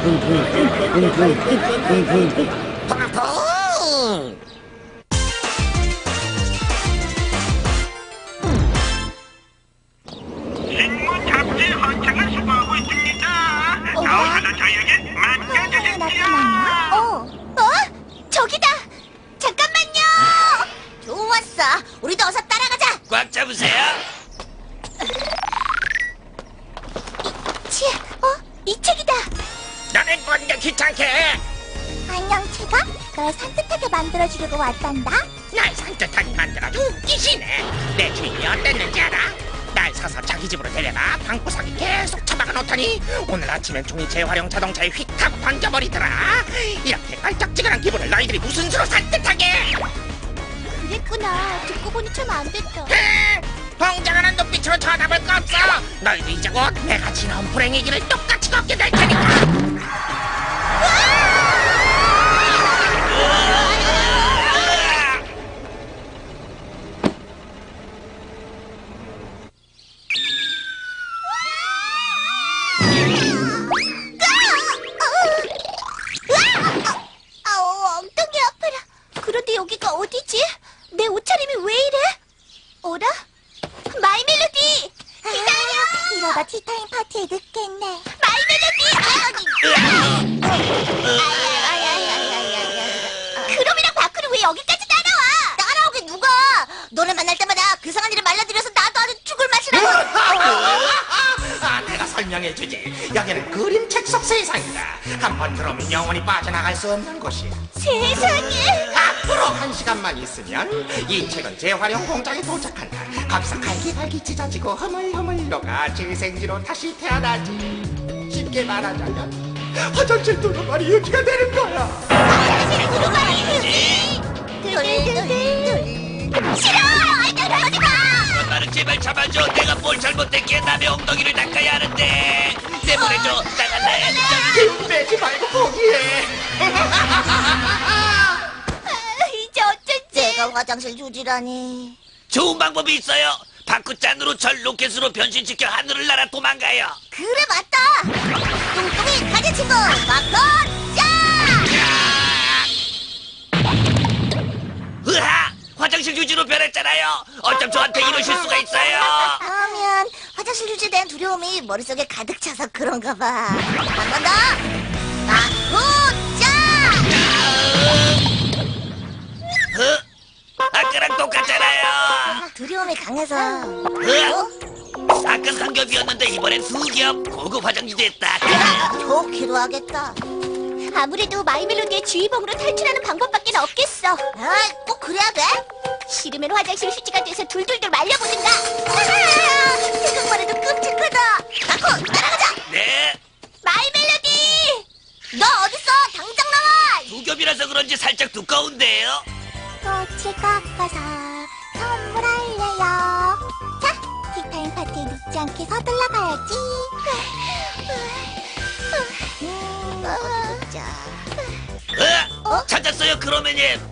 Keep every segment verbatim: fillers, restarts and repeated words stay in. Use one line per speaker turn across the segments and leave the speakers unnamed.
식물 잡지 헌팅을 수고하고 있습니다. 나오셔서 저에게 맡겨주십시오.
어? 어? 저기다! 잠깐만요! 좋았어. 우리도 어서 따라가자.
꽉 잡으세요.
치, 어? 이 책이다.
너는 뭔데 귀찮게?
안녕, 책아. 널 산뜻하게 만들어주려고 왔단다.
날 산뜻하게 만들어줘 웃기시네. 내 주인이 어땠는지 알아? 날 사서 자기 집으로 데려가 방구석에 계속 처박아 놓더니 오늘 아침엔 종이 재활용 자동차에 휙 하고 던져버리더라. 이렇게 깔짝지근한 기분을 너희들이 무슨 수로 산뜻하게?
그랬구나. 듣고 보니 참 안 됐다.
흥! 홍장하는 눈빛으로 쳐다볼 거 없어. 너희도 이제 곧 내가 지나온 불행의 길을 똑같이 걷게 될 테니까.
아우, 엉덩이 아파라. 그런데 여기가 어디지? 내 옷차림이 왜 이래? 어라? 마이 멜로디! 기다려! 이러다 티타임 파티에 늦겠네. 마이 멜로디! 그럼이랑 바크는 왜 여기까지 따라와? 따라오게 누가? 너네 만날 때마다 그 상한 일을 말려드려서 나도 아주 죽을 맛이라고.
아, 내가 설명해주지. 여기는 그림책 속 세상이다. 한번 들어오면 영원히 빠져나갈 수 없는 곳이야.
세상에!
앞으로 한 시간만 있으면 이 책은 재활용 공장에 도착한다. 거기서 갈기갈기 찢어지고 허물허물 녹아 재생지로 다시 태어나지. 쉽게 말하자면 화장실 두루마리 유지가 되는 거야.
화장실 두루마리 휴지! 둘둘둘 싫어! 들어오지 마!
나를 제발 잡아줘. 내가 뭘 잘못했기에 남의 엉덩이를 닦아야 하는데. 내보내줘. 나갈래.
힘 빼지 말고 포기해.
이제 어쩌지? 내가 화장실 휴지라니.
좋은 방법이 있어요. 바쿠짠으로 절 로켓으로 변신시켜 하늘을 날아 도망가요.
그래 맞다. 뚱뚱이 가지 친구 바꿔자.
으하! 화장실 휴지로 변했잖아요. 어쩜 저한테 이러실 수가 있어요?
그러면 화장실 휴지에 대한 두려움이 머릿속에 가득 차서 그런가 봐. 한 번 더. 바꿔자.
어? 아까랑 똑같잖아요.
두려움이 강해서.
으아! 아까 한 겹이었는데 이번엔 두 겹. 고급 화장지 됐다.
좋기로 하겠다. 아무래도 마이멜로디의 주의봉으로 탈출하는 방법밖에 없겠어. 아, 꼭 그래야 돼? 싫으면 화장실 휴지가 돼서 둘둘둘 말려보든가. 생각만 해도 끔찍하다. 마코, 따라가자.
네.
마이멜로디! 너 어딨어? 당장 나와!
두 겹이라서 그런지 살짝 두꺼운데요.
꽃을 깎아서 선물할래요. 자, 티타임 파티에 늦지 않게 서둘러 가야지. 음, 어디 보자.
어? 찾았어요, 크로메님.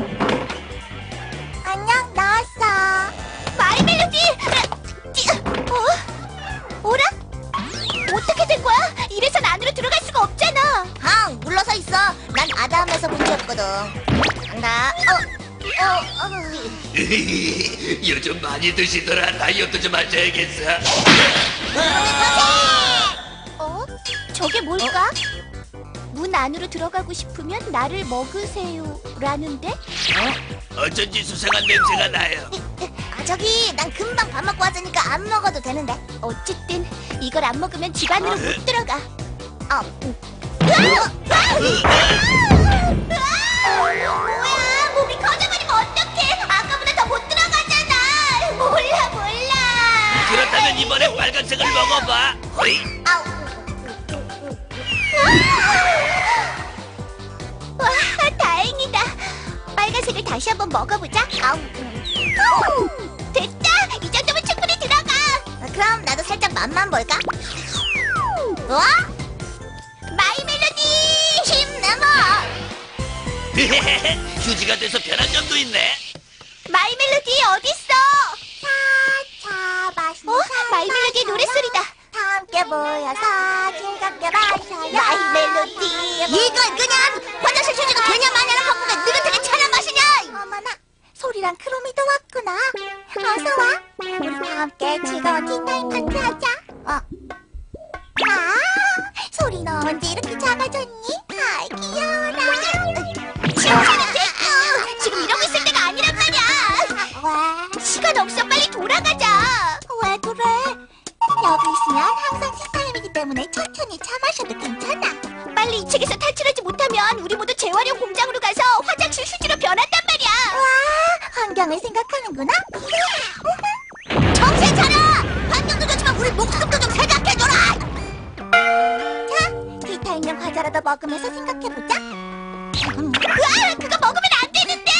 안녕, 나왔어. 마이 멜로디! 어? 어라? 어떻게 된 거야? 이래선 안으로 들어갈 수가 없잖아. 항, 물러서 있어. 난 아담에서 문제였거든. 간다. 어. 어, 어.
요즘 많이 드시더라. 다이어트 좀 하셔야겠어.
어? 저게 뭘까? 문 안으로 들어가고 싶으면 나를 먹으세요 라는데?
어쩐지 수상한 냄새가 나요.
아 저기 난 금방 밥 먹고 왔으니까 안 먹어도 되는데. 어쨌든 이걸 안 먹으면 집 안으로 못 들어가. 어. 음. 뭐야 몸이 커져버리면 어떡해. 아까보다 더 못 들어가잖아. 몰라 몰라.
그렇다면 이번에 빨간색을 먹어봐. 호이.
아우. 와, 다행이다. 빨간색을 다시 한번 먹어보자. 아우. 됐다. 이 정도면 충분히 들어가. 그럼 나도 살짝 맛만 볼까? 와? 마이 멜로디 힘 내봐.
휴지가 돼서 변한 점도 있네.
마이 멜로디 어딨어? 차차 맛있는 어? 마이 멜로디의 노랫소리다. 다음 함께 모여서 즐겁게 마셔요. 마이 멜로디. 이걸 그냥 화장실 휴지가 되냐 마냐랑 바꾸게 느긋하게 차려 마시냐. 어머나, 소리랑 크로미도 왔구나. 어서 와. 우리 다 함께 즐거운 티타임 파티하자. 어. 아, 소리 너 언제 이렇게 작아졌니? 아이 귀여워라. 칭찬이 됐고 지금 이러고 있을 때가 아니란 말이야. 왜? 시간 없어. 빨리 돌아가자. 왜 그래? 여기 있으면 항상 티타임이기 때문에 천천히 차 마셔도 괜찮아. 빨리 이 책에서 탈출하지 못하면 우리 모두 재활용 공장으로 가서 화장실 휴지로 변한단 말이야. 와, 환경을 생각하는구나. 정신 차려! 환경도 좋지만 우리 목숨도 좀 생각해줘라! 자, 티타임용 과자라도 먹으면서 생각해보자. 음. 으아! 그거 먹으면 안 되는데!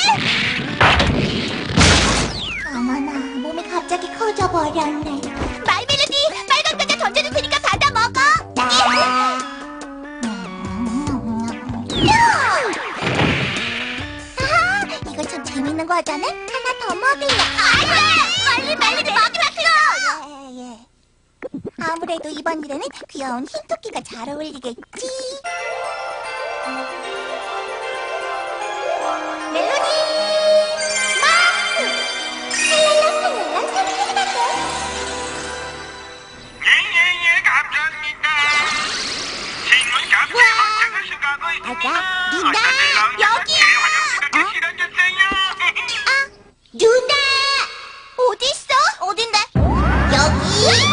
어머나, 몸이 갑자기 커져버렸네. 마이 멜로디, 빨간 과자 던져줄 테니까 받아 먹어! 아하, 이거 참 재밌는 과자네? 하나 더 먹을래. 안 돼! 빨리 멜로디 먹으라고! 예, 예. 아무래도 이번 일에는 귀여운 흰토끼가 잘 어울리겠지. 멜로디! 마크! 랄랄랄랄랄 소리가
예예예 감사합니다. 신문 감사의 헌책을 수고하고 있습니다.
아가, 누나,
어차피 나오는
여기야.
재활용지도
어?
실어주세요.
아, 누나! 어디 있어? 어딘데? 여기!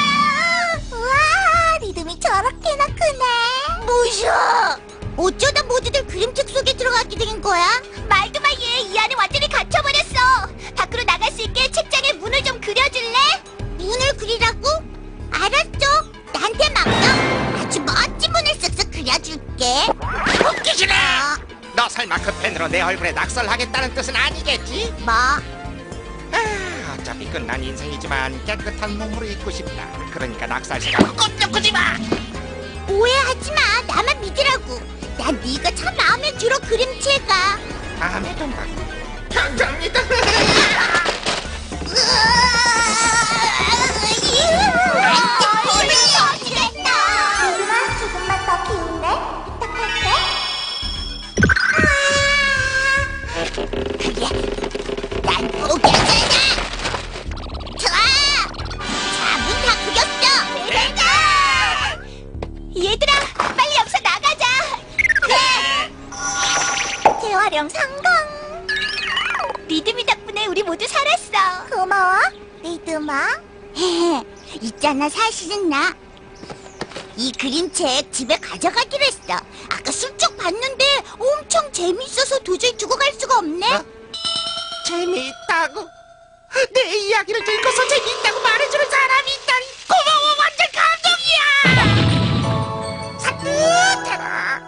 우와, 리듬이 저렇게나 크네. 뭐야? 어쩌다 모두들 그림책 속에 들어가게 된 거야? 말도 마, 얘. 이 안에 완전히 갇혀버렸어. 밖으로 나갈 수 있게 책장에 문을 좀 그려줄래? 문을 그리라고? 알았죠. 나한테 맡겨. 아주 멋진 문을 쓱쓱 그려줄게.
웃기시네.
어,
너 설마 그 펜으로 내 얼굴에 낙설하겠다는 뜻은 아니겠지?
뭐?
아, 어차피 끝난 인생이지만 깨끗한 몸으로 있고 싶다. 그러니까 낙설 생각 꼼짝 꾸지 마.
오해하지 마. 나만 믿으라고. 난 네가 참 마음에 들어, 그림체가.
다음에 좀 봐. 감사합니다.
조금만, 조금만 더 키울래? 부탁할게. 그래, 난 포기하잖아. 좋아. 자, 문 다 그렸어. 내가. 얘들아, 빨리 여기서 나가자. 그래. 재활용 성공. 리듬이 덕분에 우리 모두 살았어. 고마워, 리듬아. 있잖아, 사실은 나 이 그림책 집에 가져가기로 했어. 아까 슬쩍 봤는데 엄청 재밌어서 도저히 두고 갈 수가 없네.
어? 재미있다고? 내 이야기를 들고서 재미있다고 말해주는 사람이 있다니 고마워. 완전 감동이야. 산뜻해라.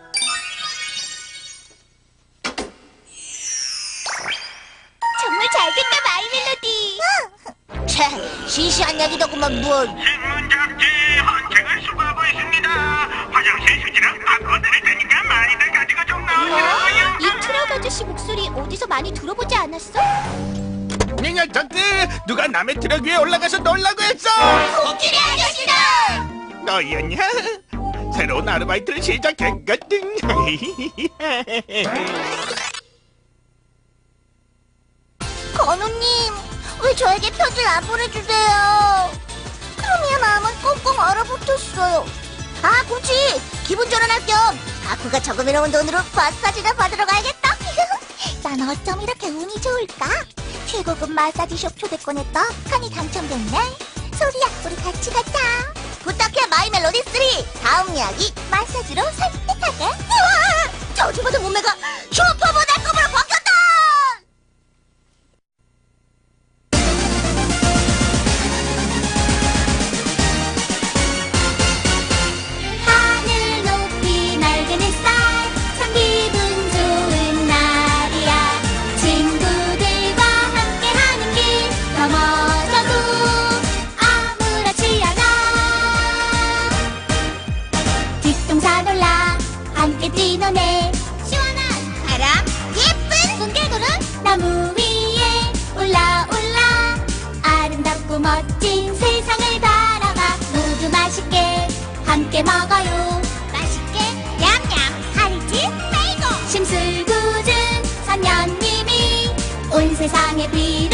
정말 잘됐다, 마이 멜로디. 차, 시시한 얘기더구만 뭘.
신문 잡지 헌책을 수고하고 있습니다. 화장실 휴지랑 바꿔드릴 테니까 많이들 가지고 좀 나오시라고요.
이 트럭 아저씨 목소리 어디서 많이 들어보지 않았어?
몇 년 전때 누가 남의 트럭 위에 올라가서 놀라고 했어.
코끼리 아저씨다.
너였냐? 새로운 아르바이트를 시작했거든.
건우님, 왜 저에게 편지를 안 보내주세요? 크로미의 마음은 꽁꽁 얼어붙었어요. 아, 그렇지. 기분 전환할 겸 가쿠가 저금해놓은 돈으로 마사지나 받으러 가야겠다. 난 어쩜 이렇게 운이 좋을까? 최고급 마사지숍 초대권에 떡하니 당첨됐네. 소리야, 우리 같이 가자. 부탁해, 마이 멜로디 쓰리. 다음 이야기, 마사지로 설득하게. 우와! 저주받은 몸매가 슈퍼모델급으로 바뀌었다! 하늘 높이 맑은 햇살, 참 기분 좋은 날이야. 친구들과 함께하는 길 넘어져도 아무렇지 않아. 뒷동산 올라 함께 뛰노네. 시원한 바람, 예쁜 손개구름, 나무 위에 올라 올라 아름답고 멋진 세상을 바라봐. 모두 마시 함께 먹어요. 맛있게 냠냠 할지 빼고 심술궂은 선녀님이 온 세상에 빛